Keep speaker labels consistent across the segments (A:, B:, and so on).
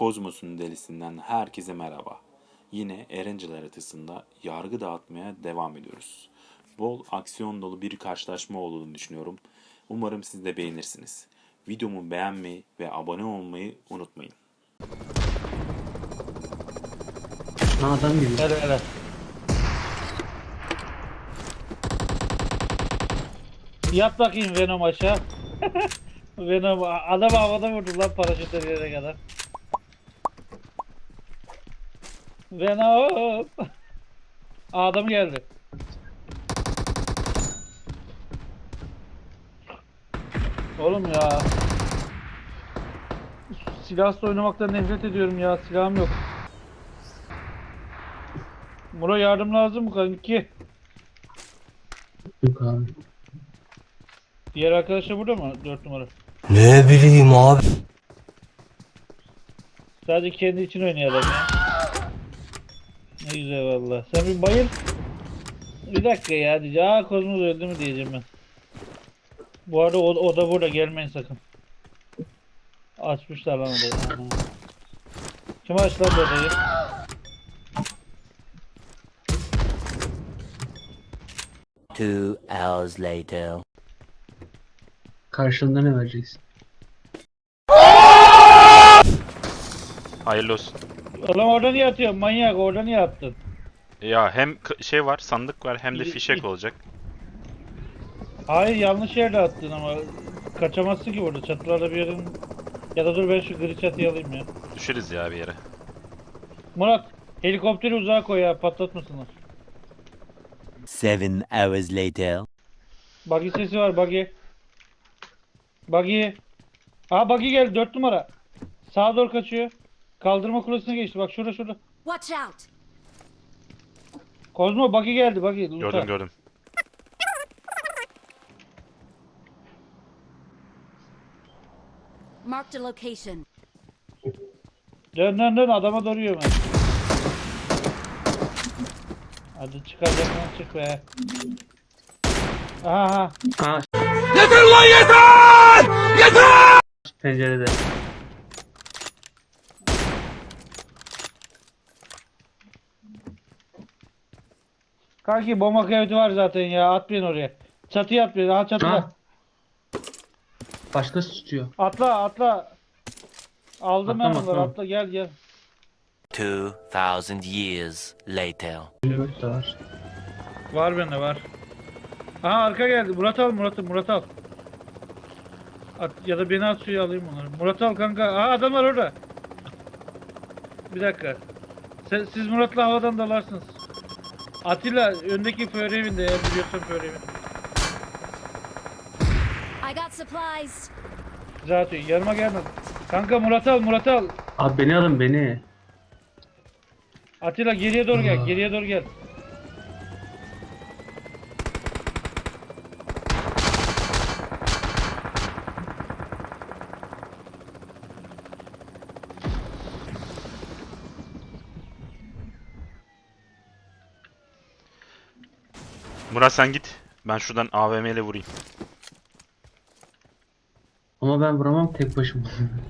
A: Kozmos'un delisinden herkese merhaba. Yine Erencil haritasında yargı dağıtmaya devam ediyoruz. Bol aksiyon dolu bir karşılaşma olduğunu düşünüyorum. Umarım siz de beğenirsiniz. Videomu beğenmeyi ve abone olmayı unutmayın.
B: Adam gibi.
C: Hele hele. Yat bakayım Venom aşağı. Venom adam havada vurdu lan paraşütle yere kadar. Venom. Adam geldi. Oğlum ya. Silahsız oynamaktan nefret ediyorum ya. Silahım yok. Muro yardım lazım mı kanki?
B: Yok abi.
C: Diğer arkadaş da burada mı? 4 numara.
D: Ne bileyim abi.
C: Sadece kendi için oynayalım ya. Ne güzel valla. Sen bir bayıl. Bir dakika ya diyeceğim. Aa Kozmos öldü mü diyeceğim ben. Bu arada o da burada, gelmeyin sakın. Açmışlar lan odayı. Ana. Kim açtı lan bu odayı?
D: Two hours later.
B: Karşılığında ne vereceksin?
E: Hayırlı olsun.
C: Oğlum orada niye atıyorsun manyak, orada niye attın?
E: Ya hem şey var, sandık var hem de fişek olacak.
C: Hayır yanlış yerde attın ama kaçamazsın ki burada, çatılarda bir yerin. Ya da dur ben şu gri çatıyı alayım ya.
E: Düşeriz ya bir yere.
C: Murat helikopteri uzağa koy ya, patlatmasınlar.
D: 7 hours later.
C: Buggy sesi var, buggy. Buggy. Aa buggy geldi 4 numara. Sağa doğru kaçıyor. Kaldırma kulesine geçti, bak şurada.
F: Watch out!
C: Kozmo buggy geldi, buggy. Lütfen.
E: Gördüm.
F: Marked a location.
C: Dön adama doğru yürüme. Hadi çıkacaksan çık be. Aha.
B: Aa. Pencerede.
C: Kanki bomba kıyafeti var zaten ya, atmayın oraya. Çatıya atmayın, aha çatıda.
B: Ha. Başkası tutuyor.
C: Atla. Aldım ben
B: Atlama,
C: onları,
B: tamam.
C: atla gel.
D: 2000 years later.
B: Evet de var.
C: Var bende var. Aha arka geldi. Murat al. At, ya da beni at, suya alayım onları. Murat al kanka. Aha adam var orada. Bir dakika. Siz Murat'la havadan dalarsınız. Atilla öndeki före evinde, eğer biliyorsan före evinde.
F: I got supplies.
C: Zaten yanıma gelme. Kanka Murat al.
B: Abi beni alın beni.
C: Atilla geriye doğru gel.
E: Murat sen git. Ben şuradan AVM ile vurayım.
B: Ama ben vuramam tek başıma.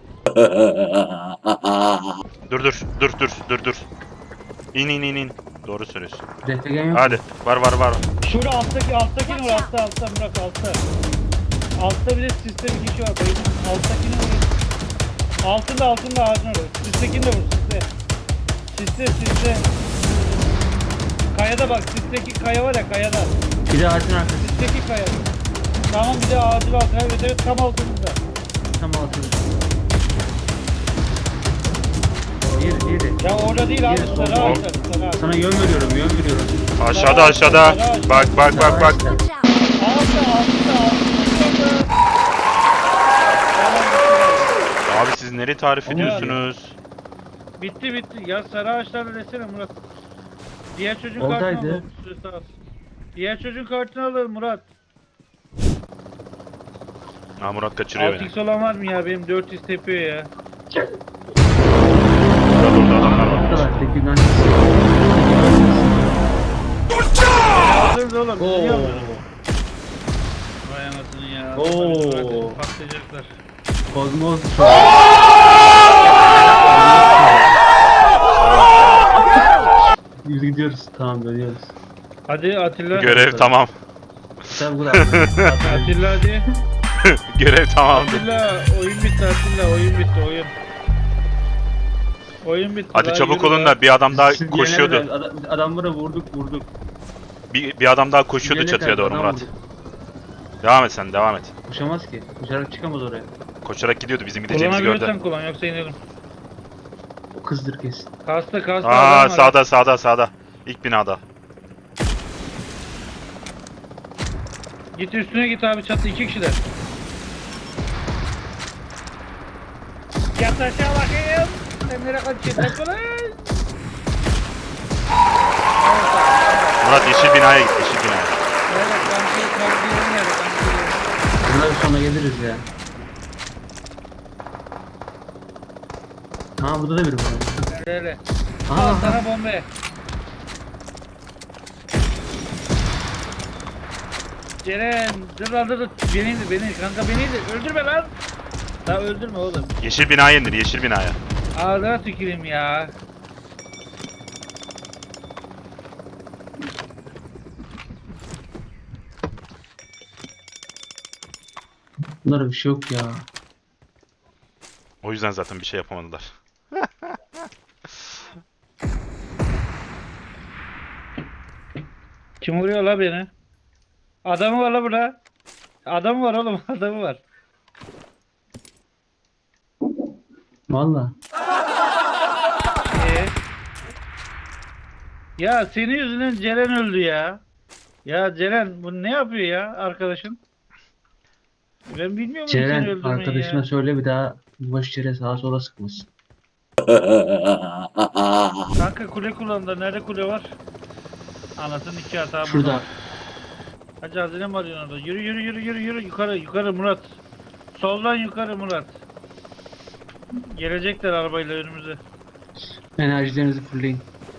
E: Dur. İn. Doğru söylüyorsun.
B: Refegen yok.
E: Hadi. Var.
C: Şurada alttaki Murat, altta Murat, altta. Altta bir de siste bir kişi var. Alttakini vur. Altında ağacın orada. Sistekini de vur, siste. Kayada bak, sisteki kaya var ya, kayada.
B: Bir de ağacın arkası.
C: Sisteki kaya. Tamam, bir de ağacın altında. Evet tam altında.
B: Tam altında. Diğeri.
C: Ya orada değil abi,
B: Diğeri
C: sarı
B: solda.
C: ağaçlar, sarı ağaç.
B: Sana yön veriyorum.
E: Aşağıda. Bak.
F: Watch out!
C: Altta.
E: Abi siz nereye tarif ediyorsunuz?
C: Bitti. Ya sarı ağaçlarla desene Murat. Diğer çocuğun
B: Oradaydı.
C: kartını alalım. Süresi az. Diğer çocuğun kartını alalım Murat.
E: Ha Murat kaçırıyor beni.
C: 6x olan var mı ya? Benim 400 tepiyor ya.
E: Orada adamlar var.
B: Oradalar. Tekinden.
C: Alırız oğlum.
B: Oo.
C: Biliyor musun? Vay anasını ya.
B: Oo.
C: Bırakın, patlayacaklar.
B: Kozmos. Biz gidiyoruz. Tamam dönüyoruz.
C: Hadi Atilla.
E: Görev tamam.
B: Tabi bu da.
C: Atilla hadi.
E: Görev tamamdı.
C: Atilla oyun bitti Atilla oyun bitti oyun. Oyun bitti.
E: Hadi
C: daha
E: çabuk
C: yürü
E: olun
C: daha.
E: da bir adam daha
B: Siz
E: koşuyordu.
B: diyene kadar adamlara vurduk.
E: Bir adam daha koşuyordu
B: Diyene
E: çatıya
B: kadar
E: doğru
B: adam
E: Murat.
B: vurduk.
E: Devam et sen, devam et.
B: Koşamaz ki. Koşarak çıkamaz oraya.
E: Koşarak gidiyordu, bizim gideceğimizi gördü.
C: Kullanabiliyorsan kullan yoksa inelim.
B: O kızdır kesin.
C: Kasta
E: Aa,
C: adam var.
E: sağda. İlk binada.
C: Git üstüne git abi çatı 2 kişiler. Yat aşağı bakayım. Sen nereye kaçıyorsun lan?
E: Murat yeşil binaya git, yeşil binaya.
C: Evet kanki yeri kanki.
B: Bundan sonra geliriz ya. Ha burada da biri var.
C: Öyle.
B: Aha,
C: Al sana bombe. Ceren dur lan dur. Beni kanka beni de öldürme lan. Daha öldürme oğlum.
E: Yeşil binaya indir, yeşil binaya.
C: Ağzına tüküreyim ya.
B: Bunlara bir şey yok ya.
E: O yüzden zaten bir şey yapamadılar.
C: Kim vuruyor la beni? Adamı var la burada. Adamı var oğlum adamı var.
B: Valla.
C: Ya senin yüzünden Ceren öldü ya. Ya Ceren bu ne yapıyor ya arkadaşın? Ben bilmiyorum seni
B: Ceren
C: öldürmeyi
B: arkadaşına
C: ya.
B: söyle bir daha boş yere sağa sola sıkmasın.
C: Kanka kule kullandı. Nerede kule var? Anasının iki hata
B: Şurada.
C: var. Hacı hazine mi arıyorsun orada? Yürü yukarı Murat. Soldan yukarı Murat. Gelecekler arabayla önümüze.
B: Enerjilerinizi fullleyin.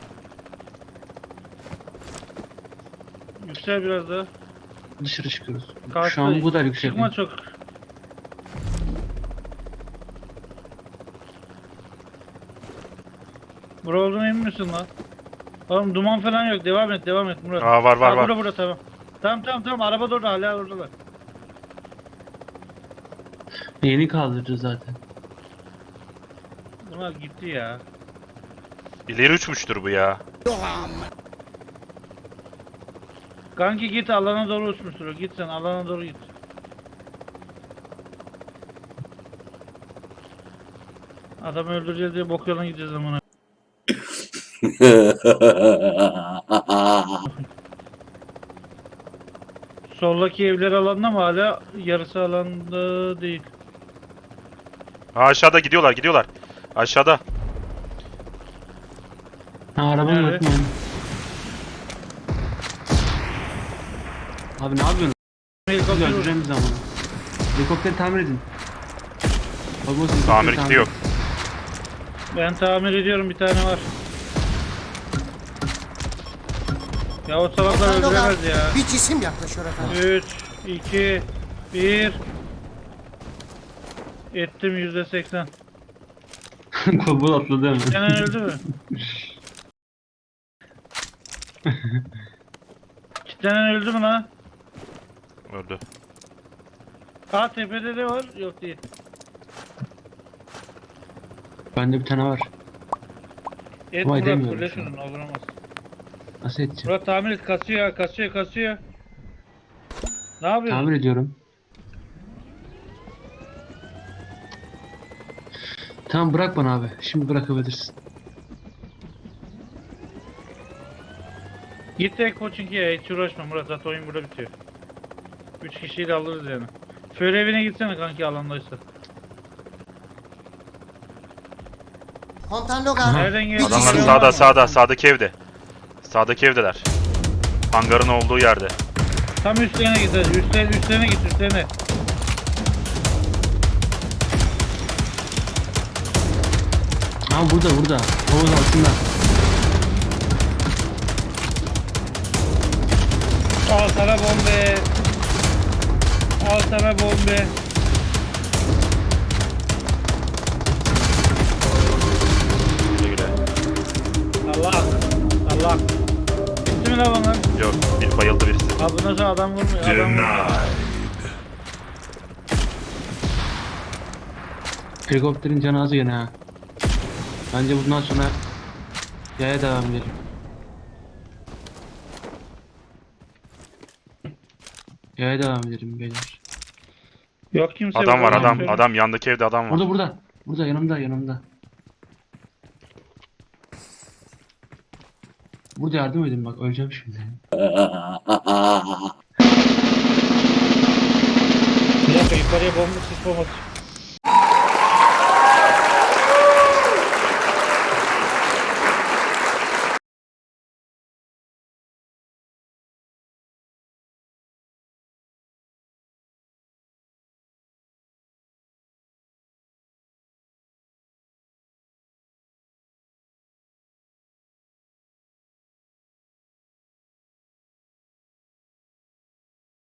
C: Yüksel biraz daha.
B: Dışarı çıkıyoruz.
C: Kalktı.
B: Şu an bu kadar yüksek.
C: Çıkma çok. Bura olduğuna emin misin lan? Oğlum duman falan yok. Devam et Murat.
E: Aa, var
C: Ha,
E: var.
C: Burada tamam. Tamam araba da orada hala oradalar.
B: Yeni kaldırdı zaten.
C: Bunlar gitti ya.
E: İleri uçmuştur bu ya.
C: Kanki git alana doğru uçmuştur o. Git sen alana doğru git. Adamı öldüreceğiz diye bok yoluna gideceğiz amına. Soldaki evler alanda mı hala? Yarısı alanda değil.
E: Aa, aşağıda gidiyorlar. Aşağıda.
B: Ha arabanın
C: Nerede?
B: ötmeyin. Abi ne yapıyorsun? Biz
C: Helikopter vur.
B: öldüreceğimiz zamanı. Helikopteri tamir edin. Bak, bu helikopteri
E: Tamir kiti yok.
C: Ben tamir ediyorum bir tane var. Ya o salaklar öldüremez ya.
G: Bir cisim yaklaşıyor efendim.
C: 3, 2, 1. Ettim %80.
B: Kobul atladı hemen.
C: Kenan öldü mü? Kenan öldü mü lan?
E: Öldü.
C: Aa tepede de var. Yok değil.
B: Bende bir tane var.
C: Et
B: Ama
C: Murat
B: edemiyorum
C: fırla
B: şu an.
C: şunu avuramaz.
B: Nasıl edeceğim?
C: Murat tamir et kasıyor. Ne yapıyorsun?
B: Tamir ediyorum. Tamam bırak bana abi. Şimdi bırakabilirsin.
C: Git tek Pochinki'ye hiç uğraşma Murat zaten oyun burada bitiyor. 3 kişiyi de alırız yani. Före evine gitsene kanki alandaysa.
G: Komutan Logar.
C: Nereden geliyor?
E: Adamlar
C: Geliyor ama.
E: sağdaki evde. Sağdaki evdeler. Hangarın olduğu yerde.
C: Tam üstlerine git hadi. Üstlerine git üstlerine.
B: Ha burada. Havuz altında.
C: Al sana bombe. Al sana bombe.
E: Güle güle.
C: Allah. lan lan.
E: Yok, bir bayıldı birisi.
C: Abi nasıl adam vurmuyor? Adam vurmuyor.
B: Helikopterin canı az gene ha. Bence bundan sonra yaya devam edelim. Yaya devam edelim beyler.
C: Yok kimse
E: Adam
C: yok,
E: var adam.
C: yok.
E: Adam yandaki evde adam var.
B: Burada burada. Burada yanımda. Burada yardım edin bak öleceğim şimdi.
C: Bir dakika yukarıya bomba sis bombası.